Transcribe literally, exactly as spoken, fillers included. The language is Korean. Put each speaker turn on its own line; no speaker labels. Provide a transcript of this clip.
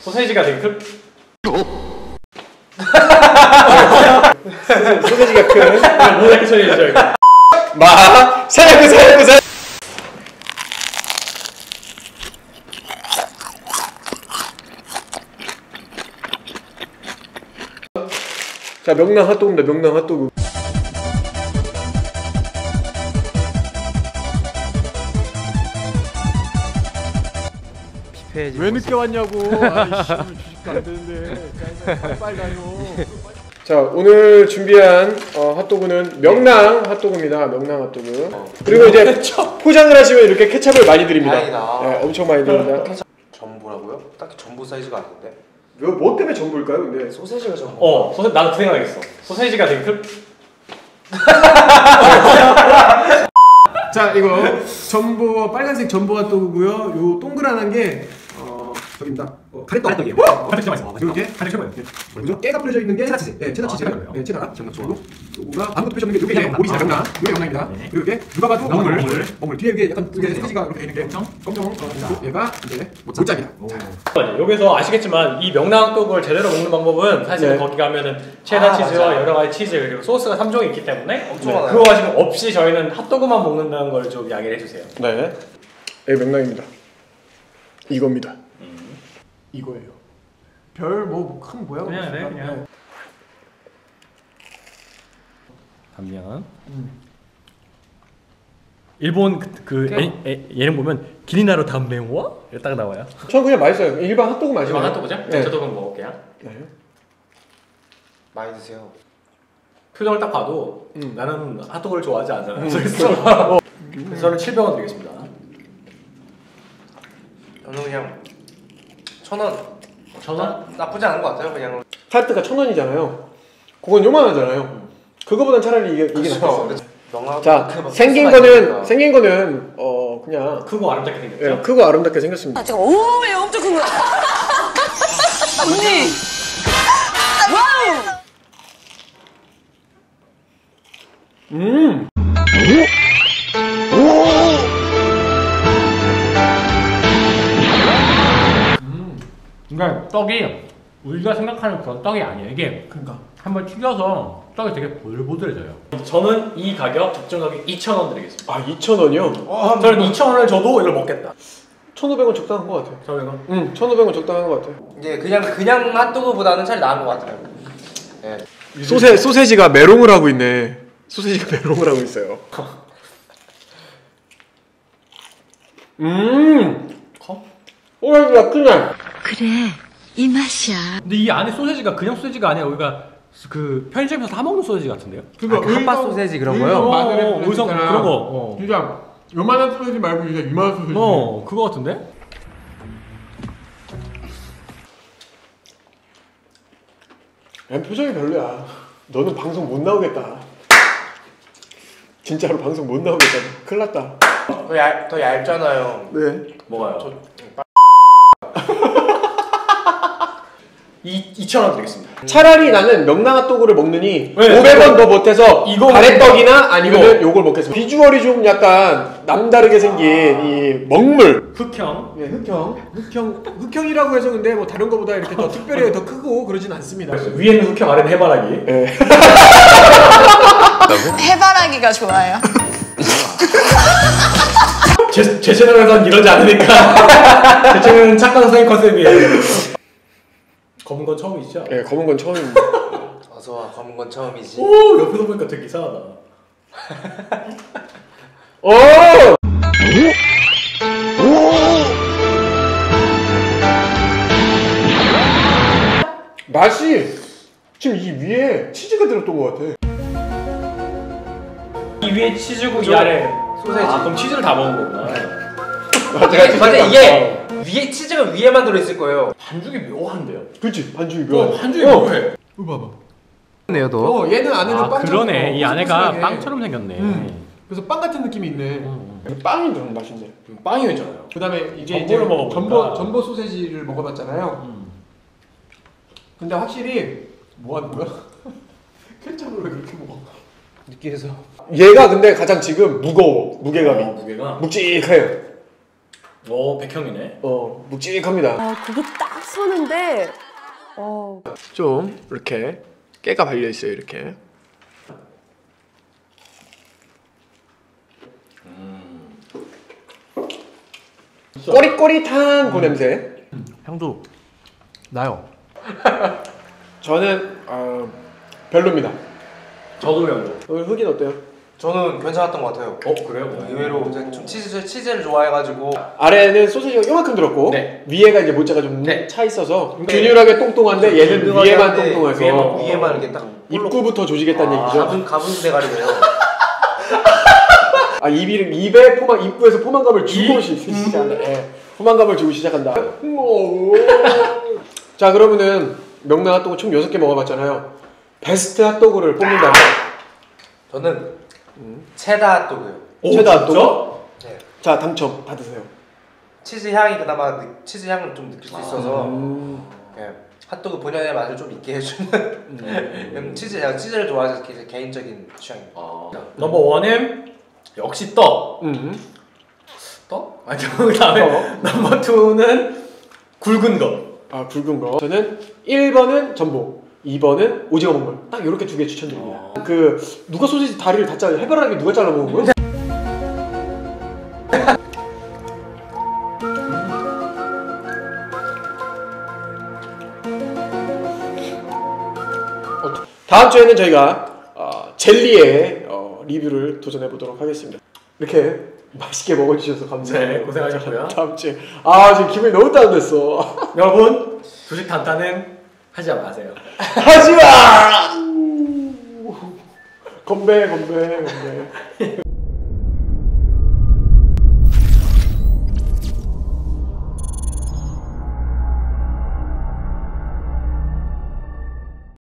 소세지가 되게 큰.
소세지가 큰.
모자이크 처리해주죠 이거.
마 사야구 사야구 사. 자, 명랑 핫도그입니다. 명랑 핫도그. 왜 늦게 왔냐고. 아이씨, 주식도 안 되는데. 빨리 가요. 자, 오늘 준비한 어, 핫도그는 명랑 핫도그입니다. 명랑 핫도그. 어. 그리고 이제 포장을 하시면 이렇게 케찹을 많이 드립니다.
다행이다.
네, 엄청 많이 드립니다.
케찹 전부라고요? 딱히 전부 사이즈가 아닌데.
왜, 뭐 때문에 전부일까요? 근데
소세지가 전부.
어, 소세, 나도 그 생각했어. 소세지가 되게 큰.
자, 이거 전보 빨간색 전보 핫도그고요. 요 동그란한 게 어, 저기입니다. 어, 가래떡. 가래떡이에요. 어, 가래떡 진짜 맛있어. 이렇게 가래떡 최고예요. 뭐죠? 깨가 뿌려져 있는 게 체다 치즈. 네, 체다 치즈. 네, 체다가 정말 좋고. 요거가 아무것도 펴져 있는 게 요게 이제 오리지널 명랑. 요게 명랑입니다. 그리고 이렇게 누가 봐도 먹물. 먹물. 먹물. 뒤에 이게 약간 이게 소세지가 이렇게 있는 게 검정. 검정. 어, 얘가 이제 모짜입니다. 자,
여기서 아시겠지만 이 명랑 핫도그를 제대로 먹는 방법은 사실
네.
거기 가면은 체다
아,
치즈와
맞아.
여러 가지 치즈 그리고 소스가 삼 종이 있기 때문에
엄청 많아요.
그거 가지고 없이 저희는 핫도그만 먹는다는 걸 좀 이야기를 해주세요.
네. 네, 명랑입니다. 이겁니다. 음. 이거예요. 별 뭐 큰 모양
그냥
없습니다.
네, 그냥.
네.
단면. 음. 일본 그, 그 애, 애, 예능 보면 기리나루 단면와 딱 나와요.
전 그냥 맛있어요. 일반 핫도그 맛이에요.
일반 핫도그죠?
네.
저도 그럼 먹을게요.
네.
많이 드세요.
표정을 딱 봐도
음.
나는 핫도그를 좋아하지 않아.
음.
그래서
어.
저는 칠백 원 드리겠습니다.
저는 그냥 천 원.
천 원?
나쁘지 않은 것 같아요. 그냥.
카트가 천 원이잖아요. 그건 요만하잖아요. 그거보단 차라리 이게 이게 낫겠어. 자, 생긴 거는 생긴 거는 어 그냥
크고 아름답게 생겼죠?
예, 크고 아름답게 생겼습니다.
아, 제가 오, 얘 엄청 큰 거야. 언니. 와우.
음.
음. 그러니까 떡이 우리가 생각하는 그런 떡이 아니에요. 이게
그러니까
한번 튀겨서 떡이 되게 보들보들해져요. 저는 이 가격 적정 가격 이천 원 드리겠습니다.
아, 이천 원이요?
어, 저는 이천 원을 줘도 이걸 먹겠다.
천오백 원 적당한 것 같아요.
저는 이거.
응, 천오백 원 적당한 것 같아요.
이제 그냥 그냥 핫도그보다는 차라리 나은 것 같아요. 네.
소세 소세지가 메롱을 하고 있네. 소세지가 메롱을 하고 있어요. 음.
커?
오, 야, 그냥.
그래, 이 맛이야.
근데 이 안에 소세지가 그냥 소세지가 아니라 우리가 그 편의점에서 사 먹는 소세지 같은데요?
그거
아, 핫바 소세지 그런 거요?
어,
마늘에
어, 의성
있잖아.
그런 거. 어.
진짜 요만한 소세지 말고 진짜 이만한 소세지.
어, 그거 같은데?
난 표정이 별로야. 너는 방송 못 나오겠다. 진짜로 방송 못 나오겠다. 큰일 났다.
더, 얇, 더 얇잖아요.
네.
뭐가요?
저,
이 이천 원 드리겠습니다.
차라리 나는 명랑 핫도그를 먹느니
네,
오백 원 더 못해서
이거
가래떡이나 아니면
이거.
요걸 먹겠습니다. 비주얼이 좀 약간 남다르게 생긴 이 먹물.
흑형.
네, 흑형. 흑형. 흑형이라고 해서 근데 뭐 다른 거보다 이렇게 더 특별히 더 크고 그러진 않습니다.
위에는 흑형, 아래는 해바라기.
네.
해바라기가 좋아요.
제, 제 채널에서는 이러지 않으니까. 제 채널은 착한 선생님 컨셉이에요. 검은 건 처음이시죠?
네, 검은 건 처음입니다.
어서와 검은 건 처음이지.
오, 옆에서 보니까 되게 이상하다.
오! 맛이 지금 이 위에 치즈가 들었던 것 같아.
이 위에 치즈고 이 아래
소세지.
아, 그럼 치즈를 다 먹은 거구나.
이게, 맞아, 이게 위에 치즈가 위에만 들어있을 거예요.
반죽이 묘한데요?
그렇지, 반죽이 묘해.
어, 반죽이
어.
묘해.
이거 봐봐.
네요,
어, 얘는 안에는
아,
빵처럼.
그러네. 이
어,
안에가
소스하게.
빵처럼 생겼네.
음. 그래서 빵 같은 느낌이 있네.
음.
빵이 좀 맛있네.
빵이 괜찮아요.
그다음에 이게
전보를
이제
먹어보니까.
전보 전보 소세지를 먹어봤잖아요.
음.
근데 확실히 뭐 하는 거야? 케첩을 왜 그렇게 먹어?
느끼해서.
얘가 근데 가장 지금 무거워. 무게감이.
어, 무게가.
묵직해요.
오 백형이네.
어 묵직합니다.
아, 그게 딱 서는데, 어.
좀 이렇게 깨가 발려 있어요. 이렇게. 꼬릿꼬릿한 그 냄새.
향도 나요.
저는 어, 별로입니다.
저도 별로.
오늘 흑인 어때요?
저는 괜찮았던 것 같아요.
어 그래요?
의외로 제가 좀 치즈 치즈를 좋아해가지고
아래는 소시지가 요만큼 들었고
네.
위에가 이제 모짜가 좀
네.
차 있어서
네.
균일하게 똥똥한데 얘는
든든하게
위에만
하는데
똥똥해서
위에만, 위에만 이렇게 딱
입구부터 조지겠다는
아,
얘기죠.
가분 가분 대가리네요.
아 입이 입에 포만 입구에서 포만감을 주고 시작한다. 예. 포만감을 주고 시작한다. 자 그러면은 명랑 핫도그 총 여섯 개 먹어봤잖아요. 베스트 핫도그를 뽑는다면
저는 체다 핫도그요.
오,
체다
진짜?
핫도그?
네.
자 당첨 받으세요.
치즈 향이 그나마 느, 치즈 향을 좀 느낄 수 있어서
음.
네. 핫도그 본연의 맛을 좀 있게 해주는 음. 치즈 제가 치즈를 좋아해서 개- 개인적인 취향입니다.
아. 넘버 원은 역시 떡.
음.
떡? 아니 그다음에 넘버 투는 굵은 거.
아 굵은 거. 저는 일 번은 전복, 이 번은 오징어 몽골. 딱 이렇게 두 개 추천드립니다. 그 누가 소시지 다리를 다 잘라 해바라기 누가 잘라 먹은 거야? 어, 다음 주에는 저희가 어, 젤리의 어, 리뷰를 도전해 보도록 하겠습니다. 이렇게 맛있게 먹어주셔서 감사해요.
네, 고생하셨고요.
다음 주에 아 지금 기분이 너무 다운됐어.
여러분 주식 단타는 하지 마세요.
하지마! 건배 건배 건배